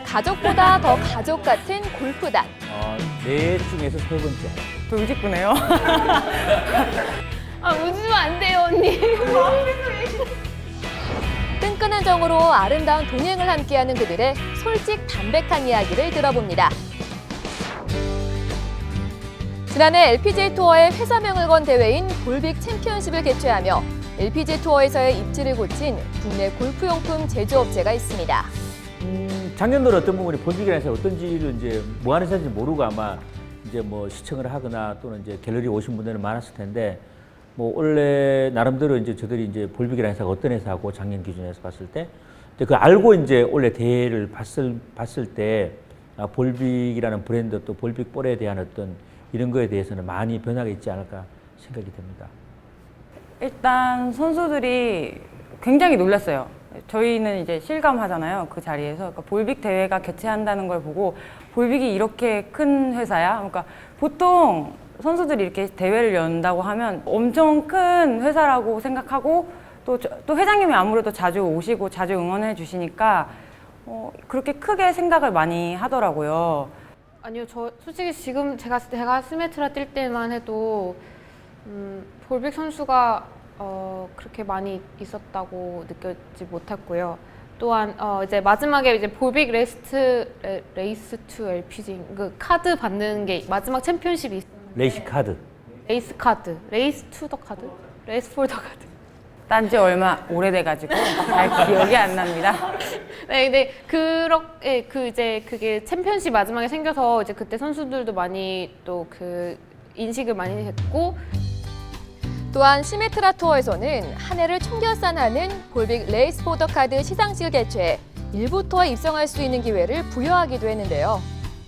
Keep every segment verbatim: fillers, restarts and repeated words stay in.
가족보다 더 가족 같은 골프단. 어, 네 중에서 세 번째. 돌직구네요. 아, 웃으면 안 돼요, 언니. 끈끈한 정으로 아름다운 동행을 함께하는 그들의 솔직 담백한 이야기를 들어봅니다. 지난해 엘피지에이 투어의 회사명을 건 대회인 볼빅 챔피언십을 개최하며 엘피지에이 투어에서의 입지를 고친 국내 골프용품 제조업체가 있습니다. 음, 작년도는 어떤 부분이 볼빅이라는 회사 어떤지를 이제 뭐 하는 회사인지 모르고 아마 이제 뭐 시청을 하거나 또는 이제 갤러리 오신 분들은 많았을 텐데 뭐 원래 나름대로 이제 저들이 이제 볼빅이라는 회사가 어떤 회사고 작년 기준에서 봤을 때 그 알고 이제 원래 대회를 봤을 봤을 때 아, 볼빅이라는 브랜드 또 볼빅 볼에 대한 어떤 이런 거에 대해서는 많이 변화가 있지 않을까 생각이 됩니다. 일단 선수들이 굉장히 놀랐어요. 저희는 이제 실감하잖아요. 그 자리에서. 그러니까 볼빅 대회가 개최한다는 걸 보고 볼빅이 이렇게 큰 회사야? 그러니까 보통 선수들이 이렇게 대회를 연다고 하면 엄청 큰 회사라고 생각하고 또, 또 회장님이 아무래도 자주 오시고 자주 응원해 주시니까 어, 그렇게 크게 생각을 많이 하더라고요. 아니요, 저 솔직히 지금 제가 제가 스메트라 뛸 때만 해도 음, 볼빅 선수가 어, 그렇게 많이 있었다고 느끼지 못했고요. 또한 어, 이제 마지막에 이제 볼빅 레이스트 레, 레이스 투 엘피지 그 카드 받는 게 마지막 챔피언십이 있었는데 레이시 카드. 레이스 카드, 레이스 투 더 카드, 레이스 포 더 카드. 딴 지 얼마 오래돼가지고 잘 기억이 안 납니다. 네, 근데 그렇게 그 이제 그게 챔피언십 마지막에 생겨서 이제 그때 선수들도 많이 또 그 인식을 많이 했고. 또한 시메트라 투어에서는 한 해를 총결산하는 볼빅 레이스 포더 카드 시상식을 개최해 일부 투어에 입성할 수 있는 기회를 부여하기도 했는데요.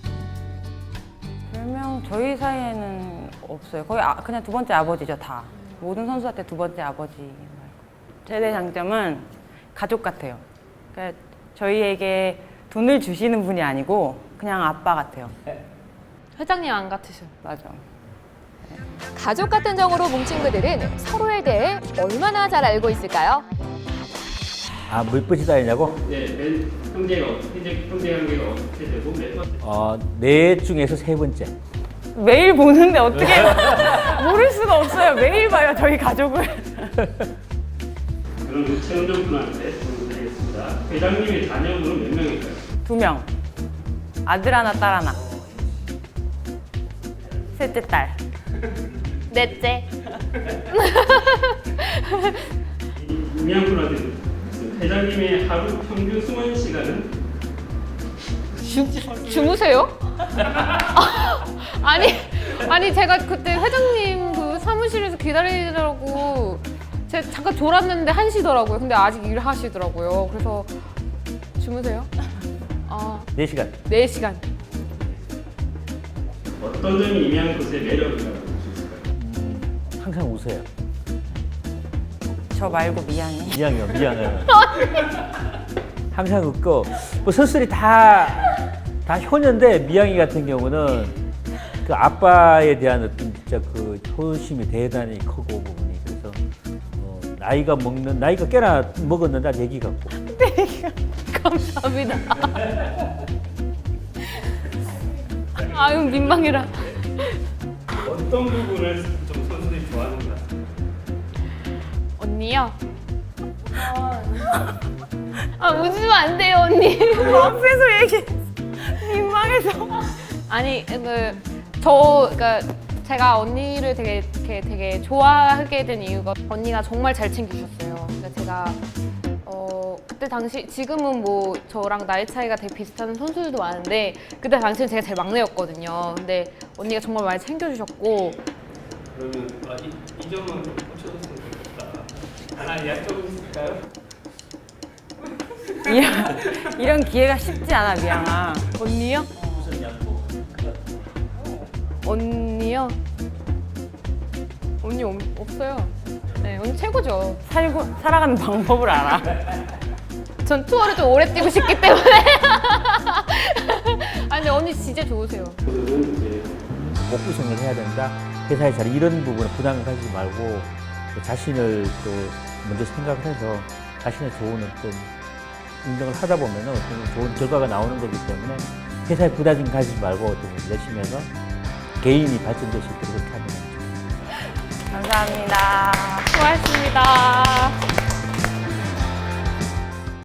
별명 저희 사이에는 없어요. 거의 아, 그냥 두 번째 아버지죠, 다. 모든 선수한테 두 번째 아버지. 최대 장점은 가족 같아요. 그러니까 저희에게 돈을 주시는 분이 아니고 그냥 아빠 같아요. 회장님 안 같으셔. 맞아. 가족 같은 정으로 뭉친 그들은 서로에 대해 얼마나 잘 알고 있을까요? 아, 몇 번째 사이냐고? 네, 맨 형제가 형제 형제 관계가 어떻게 되고 몇 번째? 어, 네 중에서 세 번째. 매일 보는데 어떻게 모를 수가 없어요. 매일 봐요, 저희 가족을. 그럼 그 최은정 분한테 질문 드리겠습니다. 회장님의 자녀분은 몇 명일까요? 두 명. 아들 하나, 딸 하나. 셋째 딸. 넷째. 임양 분한테 회장님의 하루 평균 수면 시간은? 주, 주무세요? 아니, 아니 제가 그때 회장님 그 사무실에서 기다리느라고 제가 잠깐 졸았는데 한 시더라고요. 근데 아직 일하시더라고요. 그래서 주무세요? 아, 네 시간. 네 시간. 어떤 점이 임양 곳의 매력이라고 볼 수 있을까요? 항상 웃어요. 저 말고 미안해. 미양이요, 미양해요. 항상 웃고, 뭐 선수들이 다, 다 효녀인데, 미양이 같은 경우는 그 아빠에 대한 어떤 진짜 그 효심이 대단히 크고 부분이. 그래서, 어, 나이가 먹는, 나이가 꽤나 먹었는데 아직 애기 같고. 감사합니다. 아유, 민망해라. 어떤 부분을 좀 선수들이 좋아하는가? 언니요? 아, 웃으면 안 돼요, 언니. 앞에서 얘기 민망해서. 아니, 그, 저, 그니까, 제가 언니를 되게, 되게, 되게 좋아하게 된 이유가 언니가 정말 잘 챙겨주셨어요. 그러니까 제가, 어, 그때 당시, 지금은 뭐 저랑 나이 차이가 되게 비슷한 선수들도 많은데, 그때 당시는 제가 제일 막내였거든요. 근데 언니가 정말 많이 챙겨주셨고, 그러면 아, 이, 이 점은 좀 고쳐줬으면 좋겠다. 하나 여쭤볼 수 있을까요? 이런, 이런 기회가 쉽지 않아, 미양아. 언니요? 무슨 양보? 언니요? 언니 없, 없어요. 네, 언니 최고죠. 살고, 살아가는 방법을 알아. 전 투어를 좀 오래 뛰고 싶기 때문에. 아니, 근데 언니 진짜 좋으세요. 저들은 이제 꼭 우승을 해야 된다. 회사의 자리 이런 부분에 부담을 가지지 말고 자신을 또 먼저 생각을 해서 자신의 좋은 어떤 운동을 하다 보면 어떤 좋은 결과가 나오는 거기 때문에 회사에 부담 가지지 말고 어떤 열심히 해서 개인이 발전될 수 있도록 그렇게 하면 됩니다. 감사합니다. 수고하셨습니다.